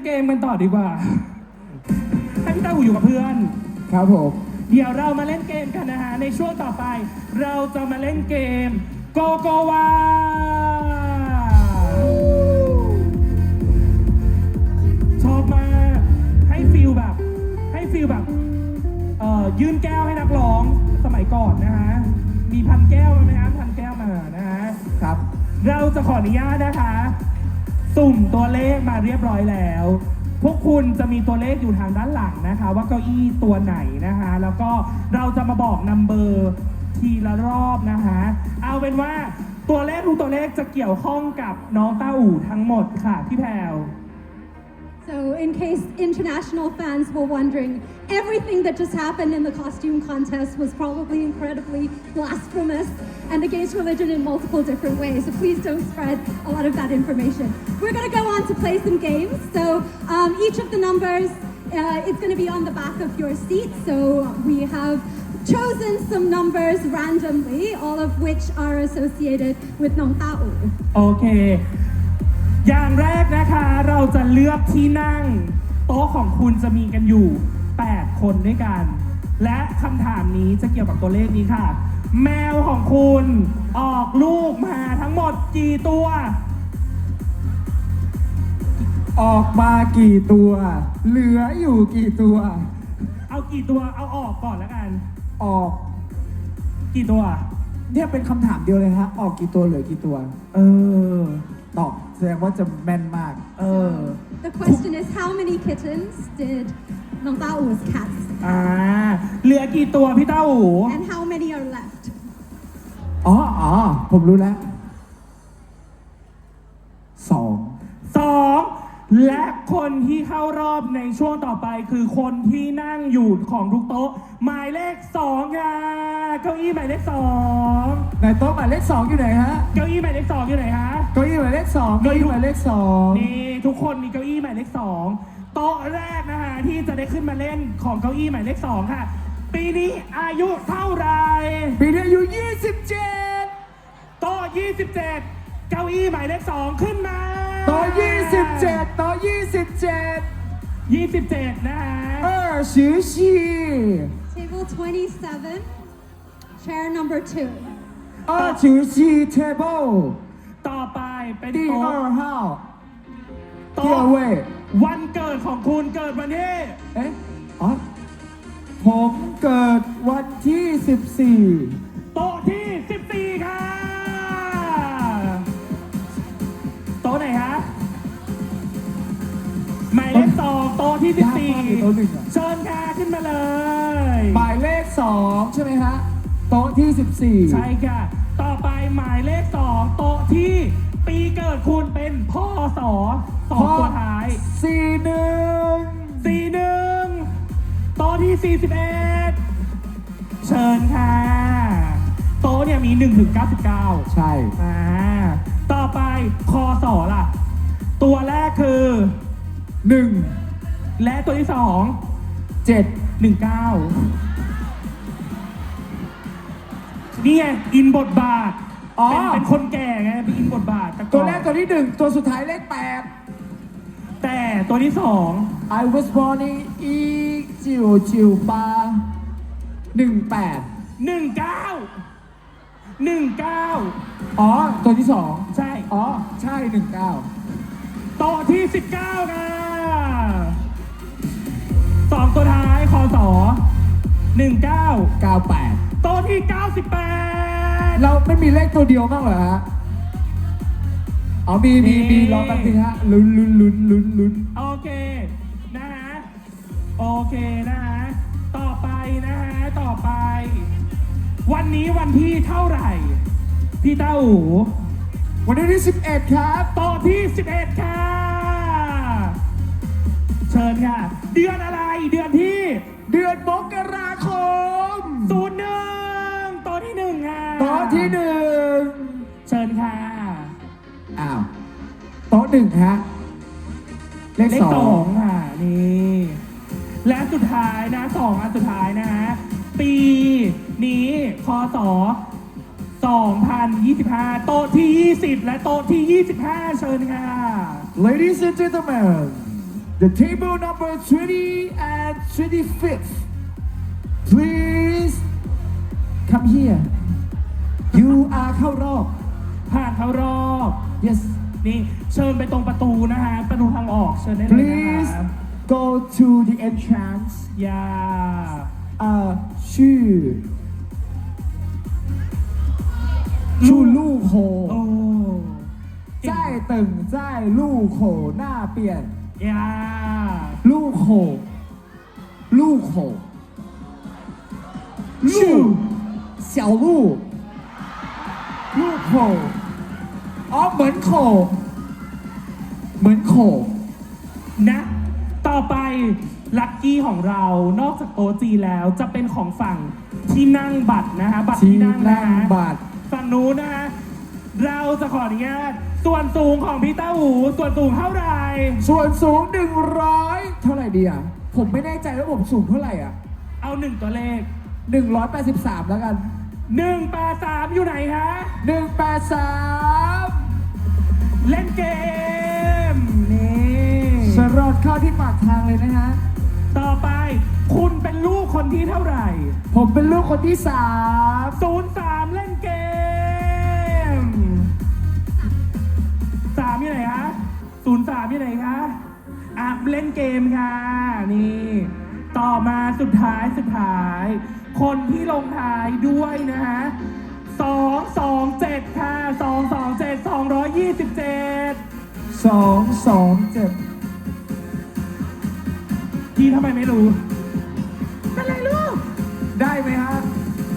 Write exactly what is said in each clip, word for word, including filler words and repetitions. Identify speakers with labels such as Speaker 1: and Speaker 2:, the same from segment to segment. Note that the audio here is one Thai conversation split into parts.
Speaker 1: เกมกันต่อดีกว่าให้พี่ต้าหูอยู่กับเพื่อน
Speaker 2: ครับผม
Speaker 1: เดี๋ยวเรามาเล่นเกมกันนะฮะในช่วงต่อไปเราจะมาเล่นเกมโกโกวาชอบมากให้ฟีลแบบให้ฟีลแบบเอ่อยื่นแก้วให้นักร้องสมัยก่อนนะฮะมีพันแก้วไหมครับพันแก้วมานะฮะ
Speaker 2: ครับ
Speaker 1: เราจะขออนุญาตนะคะสุ่มตัวเลขมาเรียบร้อยแล้วพวกคุณจะมีตัวเลขอยู่ทางด้านหลังนะคะว่าเก้าอี้ตัวไหนนะคะแล้วก็เราจะมาบอกนัมเบอร์ทีละรอบนะคะเอาเป็นว่าตัวเลขทุกตัวเลขจะเกี่ยวข้องกับน้องต้าอู่ทั้งหมดค่ะพี่แพรว
Speaker 3: So in case international fans were wondering, everything that just happened in the costume contest was probably incredibly blasphemous and against religion in multiple different ways. So please don't spread a lot of that information. We're going to go on to play some games. So um, each of the numbers uh, is going to be on the back of your seat. So we have chosen some numbers randomly, all of which are associated with Nong Tao.
Speaker 1: Okay. อย่างแรกนะคะเราจะเลือกที่นั่งโต๊ะของคุณจะมีกันอยู่แปดคนด้วยกันและคำถามนี้จะเกี่ยวกับตัวเลขนี้ค่ะแมวของคุณออกลูกมาทั้งหมดกี่ตัว
Speaker 2: ออกมากี่ตัวเหลืออยู่กี่ตัว
Speaker 1: เอากี่ตัวเอาออกก่อนแล้วกัน
Speaker 2: ออก
Speaker 1: กี่ตัว
Speaker 2: เนี่ยเป็นคำถามเดียวเลยฮะออกกี่ตัวเหลือกี่ตัว
Speaker 1: เออ
Speaker 2: ตอบแสดงว่าจะแม่นมาก
Speaker 1: เออ
Speaker 3: The question is how many kittens did Nong Tao's cats
Speaker 1: อ่าเหลือกี่ตัวพี่เต้าหู
Speaker 3: and how many are left
Speaker 2: อ๋ออ๋อผมรู้แล้วสอง
Speaker 1: สองและคนที่เข้ารอบในช่วงต่อไปคือคนที่นั่งอยู่ของทุกโต๊ะหมายเลขสองค่ะเก้าอี้หมายเลขสอง
Speaker 2: ในโต๊ะหมายเลขสองอยู่ไหนฮะ
Speaker 1: เก้าอี้หมายเลขสองอยู่ไหนฮะ
Speaker 2: เก้าอี้หมายเลขสองเก้าอี้หมายเลขสอง
Speaker 1: นี่ทุกคนมีเก้าอี้หมายเลขสองโต๊ะแรกนะฮะที่จะได้ขึ้นมาเล่นของเก้าอี้หมายเลขสองค่ะปีนี้อายุเท่าไหร่
Speaker 2: ปีนี้อายุยี่สิบเจ็ด
Speaker 1: โต๊ะยี่สิบเจ็ดเก้าอี้หมายเลขสองขึ้นมา
Speaker 2: โต๊ะยี่สิบเจ็ดโต๊ะยี่สิบเจ็ด
Speaker 1: ยี่สิบเจ็ดนะฮะ
Speaker 2: เออสิบสี่
Speaker 3: Table twenty-seven chair number two
Speaker 2: เออสิบสี่ table
Speaker 1: ต่อไปเป็น
Speaker 2: 第
Speaker 1: โต๊ะ
Speaker 2: 二号
Speaker 1: โต๊ะวันเกิดของคุณเกิดวันที่
Speaker 2: เอ๊ะอ๋อผมเกิดวันที่สิบสี่
Speaker 1: โต๊ะที่สิบสี่ค่ะโต๊ะไหนฮะหมายเลขสองโต๊ะที่สิบสี่เชิญค่ะขึ้นมาเลย
Speaker 2: หมายเลขสองใช่ไหมฮะโต๊ะที่สิบสี่
Speaker 1: ใช่ค่ะต่อไปหมายเลขสองโต๊ะที่ปีเกิดคุณเป็นพ่อสอสองตัวท้าย
Speaker 2: สี่หนึ่ง
Speaker 1: สี่หนึ่งโต๊ะที่สี่สิบเอ็ดเชิญค่ะโต๊ะเนี่ยมีหนึ่งถึงเก้าสิบเก้า
Speaker 2: ใช่
Speaker 1: อ่าต่อไปคอสอล่ะตัวแรกคือ
Speaker 2: หนึ่ง
Speaker 1: และตัวที่สอง
Speaker 2: เจ็ด
Speaker 1: หนึ่งเก้านี่ไงอินบทบาทเป็นเป็นคนแก่ไงเป็นอินบทบาท
Speaker 2: ตัวแรกตัวที่หนึ่งตัวสุดท้ายเลขแปด
Speaker 1: แต่ตัวที่สอง
Speaker 2: I was born in อีจิวจิวปาหนึ่งแปด
Speaker 1: หนึ่งเก้าหนึ่งเก้า
Speaker 2: อ๋อตัวที่สอง
Speaker 1: ใช่
Speaker 2: อ๋อใช่หนึ่งเก้า
Speaker 1: โต๊ะที่สิบเก้าค่ะสองตัวท้ายคอสอหนึ่งเก้า
Speaker 2: เก้าแปด
Speaker 1: โต๊ะที่เก้าสิบแปด
Speaker 2: เราไม่มีเลขตัวเดียวบ้างเหรอฮะอ๋อมีมีมีรอแป๊บนึงฮะลุ้นลุ้นลุ้นลุ้นลุ้น
Speaker 1: โอเคนะฮะโอเคนะฮะต่อไปนะฮะต่อไปวันนี้วันที่เท่าไหร่พี่เต้าหู
Speaker 2: วันที่สิบเอ็ดครับ
Speaker 1: โต๊ะที่สิบเอ็ดค่ะเชิญค่ะเดือนอะไรเดือนที่
Speaker 2: เดือนมกราคม
Speaker 1: ศูนย์หนึ่งโต๊ะที่หนึ่งค่ะ
Speaker 2: โต๊ะที่หนึ่ง
Speaker 1: เชิญค่ะ
Speaker 2: อ้าวโต๊ะหนึ่งฮะเลขสอง
Speaker 1: ค่ะนี่และสุดท้ายนะสองอันสุดท้ายนะฮะปีนี้คศสองพันยี่สิบห้าโต๊ะที่ยี่สิบและโต๊ะที่ยี่สิบห้าเชิญค่ะ
Speaker 2: Ladies and gentlemen The table number twenty and twenty-fifth. Please come here. You are เข้ารอบ
Speaker 1: ผ่านเข้ารอบ
Speaker 2: Yes.
Speaker 1: นี่เชิญไปตรงประตูนะฮะ ประตูทางออกเชิญได้เลยนะ
Speaker 2: Please
Speaker 1: ครับ
Speaker 2: go to the entrance.
Speaker 1: อย่า
Speaker 2: เอ่อชื่อชื่อลู่โค
Speaker 1: โอ้
Speaker 2: ใจายตึงใจายลู่โคหน้าเปลี่ยน
Speaker 1: อย่า
Speaker 2: ลู่โคลู่โค
Speaker 1: ลู่
Speaker 2: 小路ลู่โคอ๋อเหมือนโคเหมือนโค
Speaker 1: นะ ต่อไปลัคกี้ของเรานอกจากโต๊ะจีนแล้วจะเป็นของฝั่งที่นั่งบัตรนะฮะบัตร
Speaker 2: ที่
Speaker 1: ที่นั่งนะ
Speaker 2: นั่ง
Speaker 1: ฮะ
Speaker 2: บัตร
Speaker 1: ฝั่งนู้นนะฮะเราจะขออนุญาตส่วนสูงของพี่เต้าหูส่วนสูงเท่าไหร่
Speaker 2: ส่วนสูงหนึ่งร้อยเท่าไหร่ดีอ่ะผมไม่แน่ใจว่าผมสูงเท่าไหร่อ่ะ
Speaker 1: เอาหนึ่งตัวเลข
Speaker 2: หนึ่งร้อยแปดสิบสามแล้วกัน
Speaker 1: หนึ่งแปดสามอยู่ไหนฮะ
Speaker 2: หนึ่งแปดสาม
Speaker 1: เล่นเกม นี่
Speaker 2: สรอดเข้าที่ปากทางเลยนะฮะ
Speaker 1: ต่อไปคุณเป็นลูกคนที่เท่าไหร่
Speaker 2: ผมเป็นลูกคนที่สาม
Speaker 1: ศูนย์สามเล่นเกมสามอยู่ไหนฮะศูนย์สามอยู่ไหนคะอ่ะเล่นเกมค่ะ นี่ ต่อมาสุดท้ายสุดท้าย คนที่ลงท้ายด้วยนะฮะสองสองเจ็ดค่ะสองสองเจ็ดสองร้อยยี่สิบเจ็ด
Speaker 2: สองสองเจ็ด
Speaker 1: พี่ทำไมไม่รู้เป็นไรลูก
Speaker 2: ได้ไหมฮะ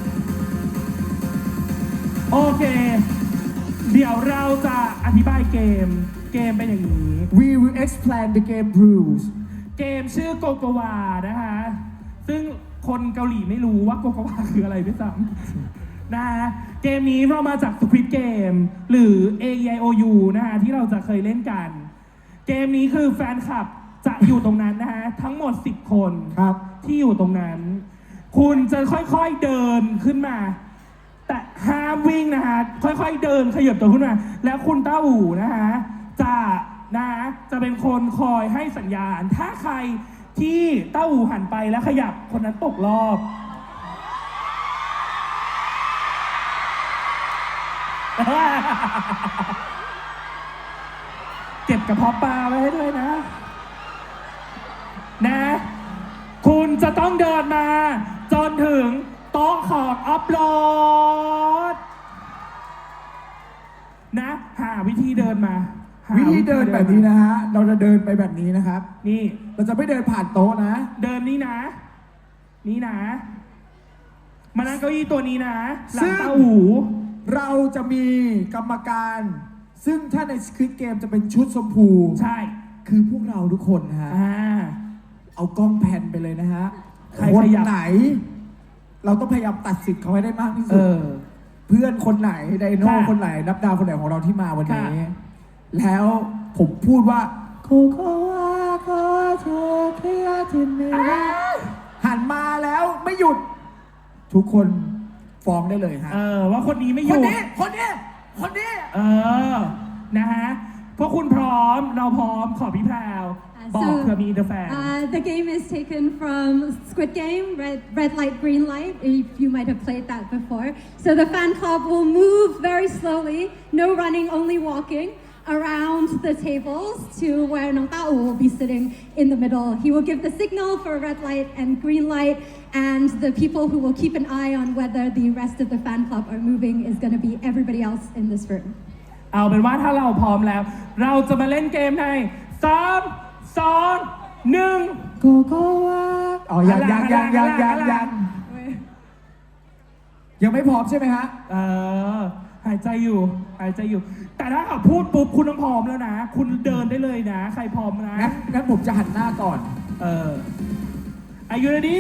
Speaker 1: โอเค เดี๋ยวเราจะอธิบายเกม เกมเป็นอย่างนี้
Speaker 2: We will explain the game rules
Speaker 1: เกมชื่อโกโกวานะคะ ซึ่งคนเกาหลีไม่รู้ว่าโกโกวาคืออะไรด้วยซ้ำนะฮะ เกมนี้เรามาจาก Squid Game หรือ เอ อี ไอ โอ ยู นะฮะที่เราจะเคยเล่นกัน เกมนี้คือแฟนคลับจะอยู่ตรงนั้นนะฮะ ทั้งหมด สิบ คน
Speaker 2: ครับ
Speaker 1: ที่อยู่ตรงนั้น คุณจะค่อยๆเดินขึ้นมา แต่ห้ามวิ่งนะฮะ ค่อยๆเดินขยับตัวขึ้นมา แล้วคุณต้าอู่นะฮะ จะนะจะเป็นคนคอยให้สัญญาณ ถ้าใครที่ต้าอู่หันไปแล้วขยับคนนั้นตกรอบ เก็บกระเพาะปลาไว้ให้ด้วยนะ นะ คุณจะต้องเดินมา จนถึงโต๊ะของอัพโหลด นะ หาวิธีเดินมาหา
Speaker 2: วิธีเดินแบบนี้นะฮะ เราจะเดินไปแบบนี้นะครับ
Speaker 1: นี่
Speaker 2: เราจะไม่เดินผ่านโต๊ะนะ
Speaker 1: เดินนี่นะ นี่นะ มานั่งเก้าอี้ตัวนี้นะ หลั
Speaker 2: ซึ่
Speaker 1: ง
Speaker 2: ง
Speaker 1: เต้าหู
Speaker 2: เราจะมีกรรมการ ซึ่งถ้าใน Squid Game จะเป็นชุดชมพู
Speaker 1: ใช่
Speaker 2: คือพวกเราทุกคนนะฮะ
Speaker 1: อ่า
Speaker 2: เอากล้องแผ่นไปเลยนะฮะ
Speaker 1: ใคร
Speaker 2: คน
Speaker 1: ขยับ
Speaker 2: ไหน เราต้องพยายามตัดสิทธิ์เขาให้ได้มากที่
Speaker 1: เอ
Speaker 2: สุด
Speaker 1: อ
Speaker 2: เพื่อนคนไหนไดโน่
Speaker 1: ค่ะ
Speaker 2: คนไหน นับดาวคนไหนของเราที่มาวันนี้
Speaker 1: ค่ะ
Speaker 2: แล้วผมพูดว่าโคโค่ว่าขอเธอเคลียร์ที่นี่หันมาแล้วไม่หยุด ทุกคนฟ้องได้เลยฮะ
Speaker 1: เออ ว่าคนนี้ไม่อ
Speaker 2: คน
Speaker 1: ยู่
Speaker 2: นี้ คนนี้ คนนี้
Speaker 1: เออ นะฮะ พวกคุณพร้อม เราพร้อม ขอพี่แพรว
Speaker 3: Uh,
Speaker 1: บอก
Speaker 3: so,
Speaker 1: เผื่อมีเดอะแฟน
Speaker 3: uh, the game is taken from Squid Game, red, red light, green light. If you might have played that before. So the fan club will move very slowly, no running, only walking around the tables to where Nong Tao will be sitting in the middle. He will give the signal for red light and green light, and the people who will keep an eye on whether the rest of the fan club are moving is going to be everybody else in this room.
Speaker 1: เอาเป็นว่าถ้าเราพร้อมแล้ว เราจะมาเล่นเกมในสามสองหนึ่ง
Speaker 2: โกโก้ว่าอ๋อยังยังยังยังยังยังยังไม่พร้อมใช่ไหมฮะ
Speaker 1: เออ หายใจอยู่ หายใจอยู่ แต่ถ้าเขาพูดปุ๊บคุณต้องพร้อมแล้วนะ คุณเดินได้เลยนะ ใครพร้อมนะ
Speaker 2: งั้นงั้นผมจะหันหน้าก่อน
Speaker 1: เออ Are you ready?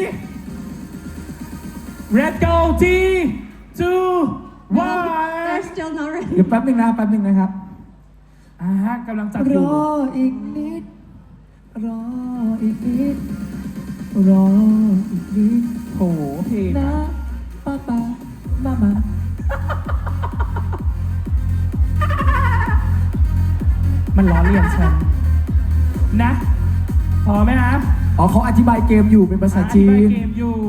Speaker 1: Let's go three two
Speaker 3: No, they're
Speaker 1: one
Speaker 3: still not ready.
Speaker 2: เดี๋ยวแป๊บนึงนะแป๊บนึงนะครับ
Speaker 1: อ่ากำลังจัด
Speaker 2: ร
Speaker 1: อยู่
Speaker 2: ออีกนิด รออีกนิด รออีกนิด
Speaker 1: โหเพลง
Speaker 2: นะ
Speaker 1: อะ
Speaker 2: ป้าป้ามามา
Speaker 1: มันล้อเลียนฉัน นะพอไหมฮะ
Speaker 2: อ๋อเขาอธิบายเกมอยู่เป็นภาษาจี
Speaker 1: อธิบาย
Speaker 2: น
Speaker 1: เกมอยู่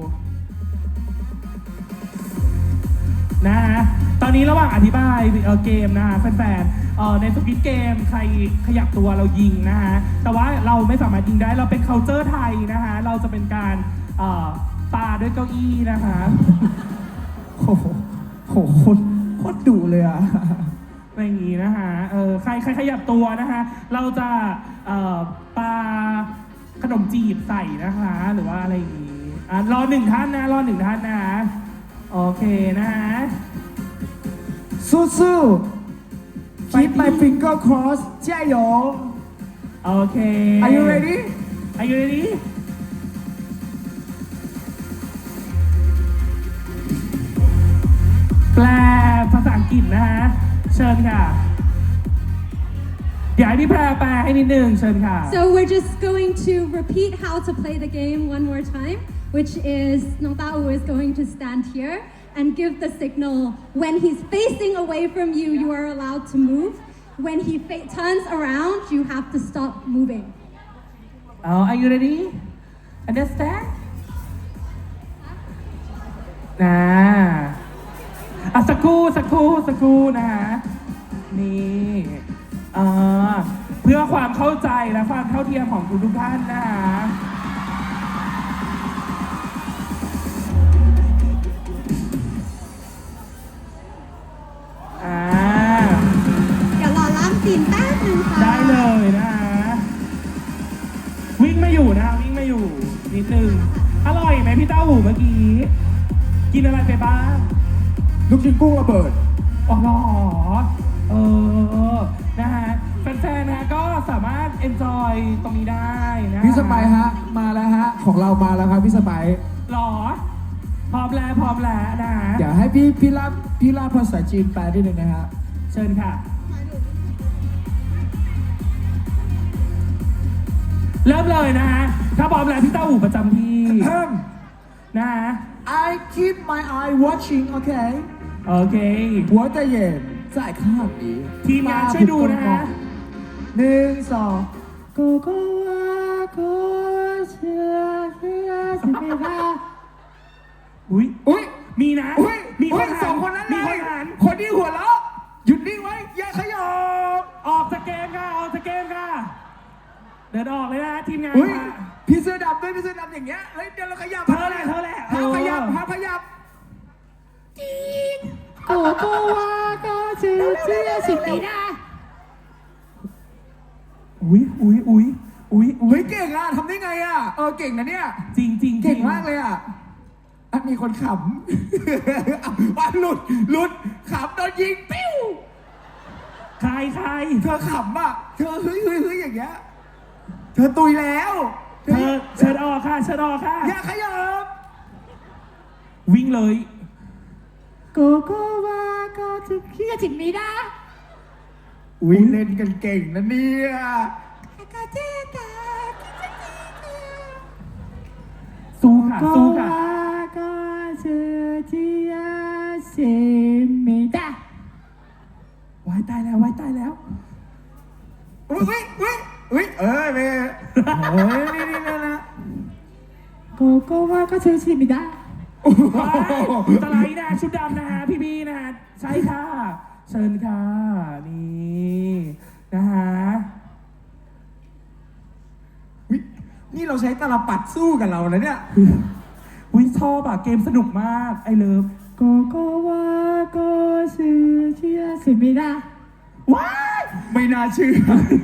Speaker 1: นะฮะตอนนี้ระหว่างอธิบายเอ่อเกมนะฮะแฟนๆเอ่อในสกิทเกมใครขยับตัวเรายิงนะฮะแต่ว่าเราไม่สามารถยิงได้เราเป็น culture ไทยนะฮะเราจะเป็นการเอ่อปาด้วยเก้าอี้นะคะ
Speaker 2: โอ้โหโหโคตรโคตรดุเลยอ่ะ
Speaker 1: อะไรอย่างนี้นะฮะเออใครใครขยับตัวนะฮะเราจะเอ่อปาขนมจีบใส่นะคะหรือว่าอะไรอย่างนี้อ่ะรอหนึ่งท่านนะรอหนึ่งท่านนะโอเคนะฮะ
Speaker 2: สู้ๆ keep my finger crossed 加油
Speaker 1: โอเค
Speaker 2: Are you ready
Speaker 1: Are you ready แปลภาษาอังกฤษนะฮะเชิญค่ะเดี๋ยวให้พี่แพรแปลให้นิดนึงเชิญค่ะ
Speaker 3: So we're just going to repeat how to play the game one more time, which is Nong Tao is going to stand here and give the signal. When he's facing away from you, you are allowed to move. When he fa- turns around, you have to stop moving.
Speaker 1: Oh, are you ready? Understand? นะอ่ะสักครู่สักครู่สักครู่นะฮะนี่เอ่อเพื่อความเข้าใจและความเท่าเทียมของทุกทุกๆท่านนะฮะอ่า
Speaker 3: เดี๋ยวรอล้างตีนแป๊บนึงค่ะ
Speaker 1: ได้เลยนะฮะวิ่งไม่อยู่นะฮะวิ่งไม่อยู่นิดนึงอร่อยไหมพี่เต้าหูเมื่อกี้ กินอะไรไปบ้าง
Speaker 2: ลูกชิ้นกุ้งระเบิด
Speaker 1: อ๋อเหรอเออนะฮะแฟนๆนะก็สามารถ enjoy ตรงนี้ได้นะ
Speaker 2: พี่สไปร์ฮะ มาแล้วฮะ ของเรามาแล้วครับพี่สไปร์
Speaker 1: หรอ พร้อมแล้วพร้อมแล้วนะฮะ
Speaker 2: เดี๋ยวให้พี่พี่ลาบพี่ลาบภาษาจีนแปลนิดนึงนะฮะ
Speaker 1: เชิญค่ะ เริ่มเลยนะฮะ ถ้าพร้อมแล้วพี่เต้าหูประจำที่ นะฮะ
Speaker 2: I keep my eye watching okay
Speaker 1: โอเค
Speaker 2: หัวใจเย็น在看你
Speaker 1: ทีมงานช่วยดูนะฮะ
Speaker 2: หนึ่งสองโกโกวาโกเชียเชียสิเมดา
Speaker 1: อุ้ย
Speaker 2: อุ้ย
Speaker 1: มีนะ
Speaker 2: อุ้ย
Speaker 1: มี
Speaker 2: อุ้
Speaker 1: ค
Speaker 2: ย
Speaker 1: น
Speaker 2: ส
Speaker 1: หั
Speaker 2: อง
Speaker 1: น
Speaker 2: คนนั้น
Speaker 1: มี
Speaker 2: เล
Speaker 1: คน
Speaker 2: ย
Speaker 1: หัน
Speaker 2: คนที่หัวเราะหยุดนิ่งไว้ อย่าขยับ
Speaker 1: ออกจากเกมค่ะ ออกจากเกมค่ะ เดินออกเลยนะทีมงาน
Speaker 2: อุ้ย
Speaker 1: ค่ะ
Speaker 2: พี่เสื้อดำด้วยพี่เสื้อดำอย่างเงี้ย เฮ้ย เดี๋ยวเราขยับ
Speaker 1: เธอแหละเธอแหละ
Speaker 2: ห้ามขยับ
Speaker 1: เออ
Speaker 2: ห้ามขยับจีนโกโกวาโกเชียเชียสิเมดา
Speaker 1: อุ้ยอุ้ยอุ้ยอุ้ยอุ้
Speaker 2: เฮ้
Speaker 1: ย
Speaker 2: ยเก่งอ่ะทำได้ไงอ่ะ เออเก่งนะเนี่ย
Speaker 1: จริงจริง
Speaker 2: เก่งมากเลยอ่ะอ่ะมีคนขำ ว่าหลุดหลุดขำโดนยิงปิ้ว
Speaker 1: ใครใคร
Speaker 2: เธอขำอ่ะ เธอเฮ้ยเฮ้ยเฮ้ยอย่างเงี้ย เธอตุยแล้ว
Speaker 1: เธอเชิญออกค่ะเชิญออกค่ะ
Speaker 2: อย่าขยับ
Speaker 1: วิ่งเลย
Speaker 2: โกโกวาโกจุคิยาจิมิดาอุ้ยเล่นกันเก่งนะเนี่ยกาเจตา
Speaker 1: สู้ค่ะสู้ค่ะ
Speaker 2: โกจุคิยาจิมิดา
Speaker 1: วายตายแล้ววายตายแล้ว
Speaker 2: อุ้ยอุ้ยอุ้ยเออเว้ยเฮ้ยนี่นี่นะนะโกโกวาโกจุคิมิดา
Speaker 1: ว้ายสไลด์นะชุดดำนะฮะพี่บีนะฮะใช่ค่ะ เชิญค่ะนี่นะฮะ
Speaker 2: อุ๊ยนี่เราใช้ตลปัดสู้กับเราแล้วเนี่ย
Speaker 1: วิชอบอะเกมสนุกมากไอเลิฟ
Speaker 2: โกโกวาโกซูเชียสิมิดา
Speaker 1: ว้าย
Speaker 2: ไม่น่าเชื่อ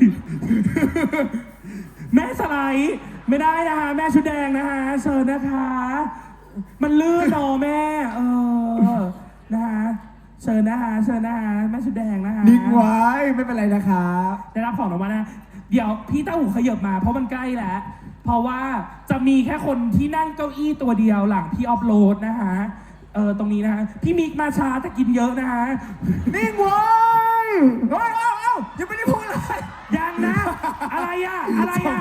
Speaker 1: แม่สไลด์ไม่ได้นะฮะแม่ชุดแดงนะฮะเชิญนะคะ มันลื่นเนอะแม่เออนะฮะเชิญนะฮะเชิญนะฮะแม่ชุดแดงนะฮะ
Speaker 2: นิ่งไว้ไม่เป็นไรนะครับ
Speaker 1: ได้รับของรางวัลนะ เดี๋ยวพี่เต้าหูขยับมาเพราะมันใกล้แล้ว เพราะว่าจะมีแค่คนที่นั่งเก้าอี้ตัวเดียวหลังพี่ออฟโหลดนะฮะ เออตรงนี้นะฮะ พี่มิกมาช้าแต่กินเยอะนะฮะ
Speaker 2: นิ่งไว้เฮ้ยเอ้าเอ้ายังไม่ได้พูดเลย
Speaker 1: ยังนะ อะไรอะอะไรอะ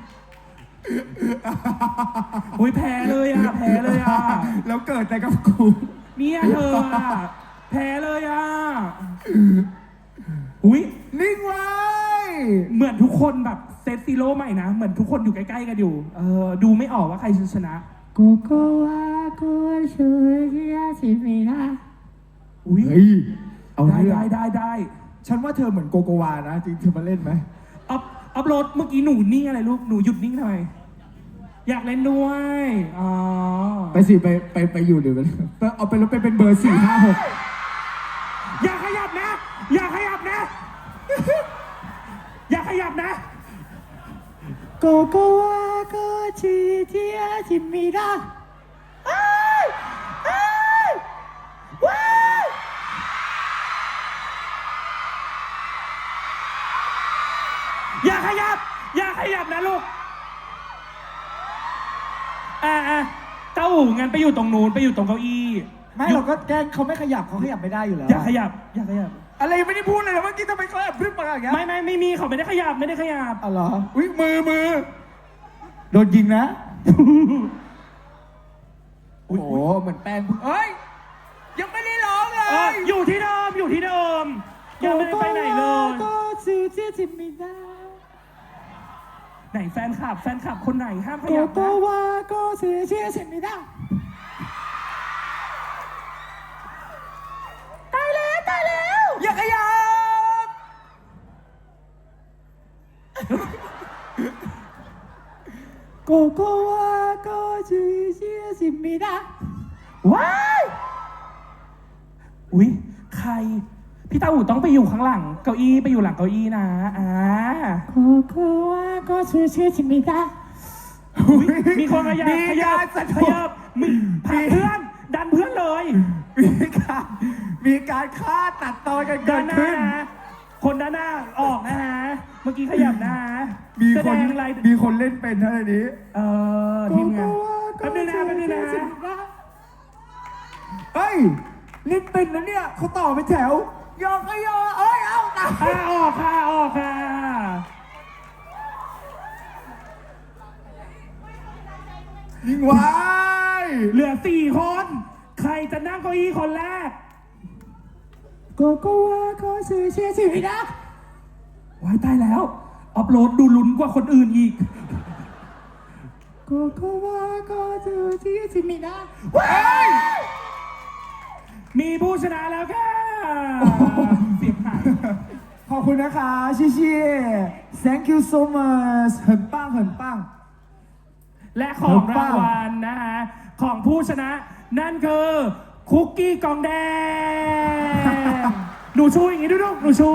Speaker 1: อุ้ยแพ้เลยอะแพ้เลยอะ
Speaker 2: แล้วเกิดแต่กับกู
Speaker 1: เนี่ยเธออะแพ้เลยอะอุ้ย
Speaker 2: นิ่งไว้
Speaker 1: เหมือนทุกคนแบบเซตซีโร่ใหม่นะ เหมือนทุกคนอยู่ใกล้ๆกันอยู่ เออ ดูไม่ออกว่าใครชนะ
Speaker 2: โกโกวาโกโชเกียชิมินะ
Speaker 1: อุ้ย
Speaker 2: เฮ้ย เอา
Speaker 1: ได้
Speaker 2: เรื่อง
Speaker 1: ได้ได้ได้
Speaker 2: ฉันว่าเธอเหมือนโกโกวานะ จริงเธอมาเล่นไหม
Speaker 1: อัพอัพโหลดเมื่อกี้หนูนิ่งอะไรลูก หนูหยุดนิ่งทำไม อยากเล่นด้วย อ๋อ
Speaker 2: ไปสิไปไปไปอยู่เดี๋ยวมันเอาไปแล้วไปเป็นเบอร์สี่ห้าหก
Speaker 1: อย่าขยับนะ อย่าขยับนะ อย่าขยับนะ
Speaker 2: โกโกวาโกชิเทียชิมินะอ้ายอ้ายว้าย
Speaker 1: อย่าขยับ อย่าขยับนะลูก อ่าอ่าเจ้าอู๋งั้นไปอยู่ตรงนู้นไปอยู่ตรงเก้าอี้
Speaker 2: ไม่เราก็แกล้งเขาไม่ขยับเขาขยับไม่ได้อยู่แล้ว
Speaker 1: อย่าขยับ อย่าขยับ
Speaker 2: อะไรไม่ได้พูดเลยนะเมื่อกี้ทำไมเขาแอบพึ่งมาอย่างเงี้ย
Speaker 1: ไม่ไม่ไม่มีเขาไม่ได้ขยับไม่ได้ขยับ
Speaker 2: อ๋อเหรออุ้ยมือมือโดนยิงนะ โอ้โหเหมือนแป้งเอ้ยยังไม่ได้ร้องเล
Speaker 1: เออย อยู่ที่เดิมอยู่ที่เดิมยังไม่ได้ไปไหนเลย
Speaker 2: ก็ซื้อที่จิมินะ
Speaker 1: ไหนแฟนคลับ แฟนคลับคนไหนห้ามข
Speaker 2: โก
Speaker 1: ยับ
Speaker 2: โก
Speaker 1: นะ
Speaker 2: วาก็ซื้อที่จิมินะตายแล้วตายแล้วอย่าขยับโกโกวาก็ซื้อที่จิมินะ
Speaker 1: ว้ายอุ๊ยใคร พี่ตาอู่ต้องไปอยู่ข้างหลังเก้าอี้ไปอยู่หลังเก้าอี้นะอ่า
Speaker 2: โกโกวาก็ซื้อที่จิมินะ
Speaker 1: อุ๊ยมีคนขยับ
Speaker 2: มี
Speaker 1: ขยั
Speaker 2: กา
Speaker 1: บ
Speaker 2: รสะ
Speaker 1: ข
Speaker 2: ดว
Speaker 1: ยั
Speaker 2: ก
Speaker 1: บมีผลักเพื่อน ดันเพื่อนเลย
Speaker 2: มีการมีการฆ่าตัดตอนกันเกิ
Speaker 1: ด้า
Speaker 2: ด
Speaker 1: นหน้า
Speaker 2: ขึ้น
Speaker 1: นะคนด้านหน้าออกนะฮะ เมื่อกี้ขยับนะฮะ
Speaker 2: มี
Speaker 1: แส
Speaker 2: ค
Speaker 1: ด
Speaker 2: น
Speaker 1: งอะไร
Speaker 2: มีคนเล่นเป็นเท่านี้
Speaker 1: เอ่อทีมงานแป๊บนึงนะแป๊บนึงนะ
Speaker 2: เฮ้ยเล่นเป็นนะเนี่ยเขาต่อเป็นแถวยอก็ยอเอ้ยเอาตาย
Speaker 1: อ่าออกค่ะออกค่ะ
Speaker 2: ยิงไว้
Speaker 1: เหลือสี่คน ใครจะนั่งเก้าอี้คนแรก
Speaker 2: โกโกวาก็ซื้อเชียร์สินะ
Speaker 1: ว้ายตายแล้วอัพโหลดดูลุ้นกว่าคนอื่นอีก
Speaker 2: โกโกวาก็ซื้อเชียร์สินะ
Speaker 1: ว้ายมีผู้ชนะแล้วค่ะเสียงหาย
Speaker 2: ขอบคุณนะคะชิชิ thank you so much 很棒很棒
Speaker 1: และของรางวัลนะฮะ ของผู้ชนะ นั่นคือ คุกกี้กองแดง หนูชูอย่างนี้ดูลูกหนูชู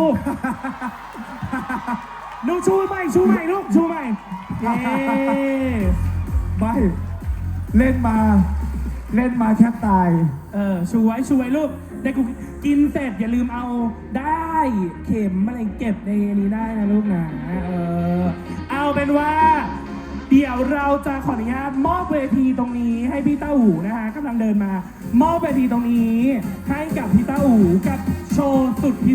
Speaker 1: หนูชูใหม่ชูใหม่ลูกชูใหม่เย้
Speaker 2: ไม่เล่นมา เล่นมาแทบตาย
Speaker 1: เออชูไว้ชูไว้ลูกได้กูกินเสร็จอย่าลืมเอาได้เข็มอะไรเก็บในนี้ได้นะลูกนะเออเอาเป็นว่า เดี๋ยวเราจะขออนุญาตมอบเวทีตรงนี้ให้พี่ต้าอู๋นะฮะกำลังเดินมา มอบเวทีตรงนี้ให้กับพี่ต้าอู๋กับโชว์สุดพิ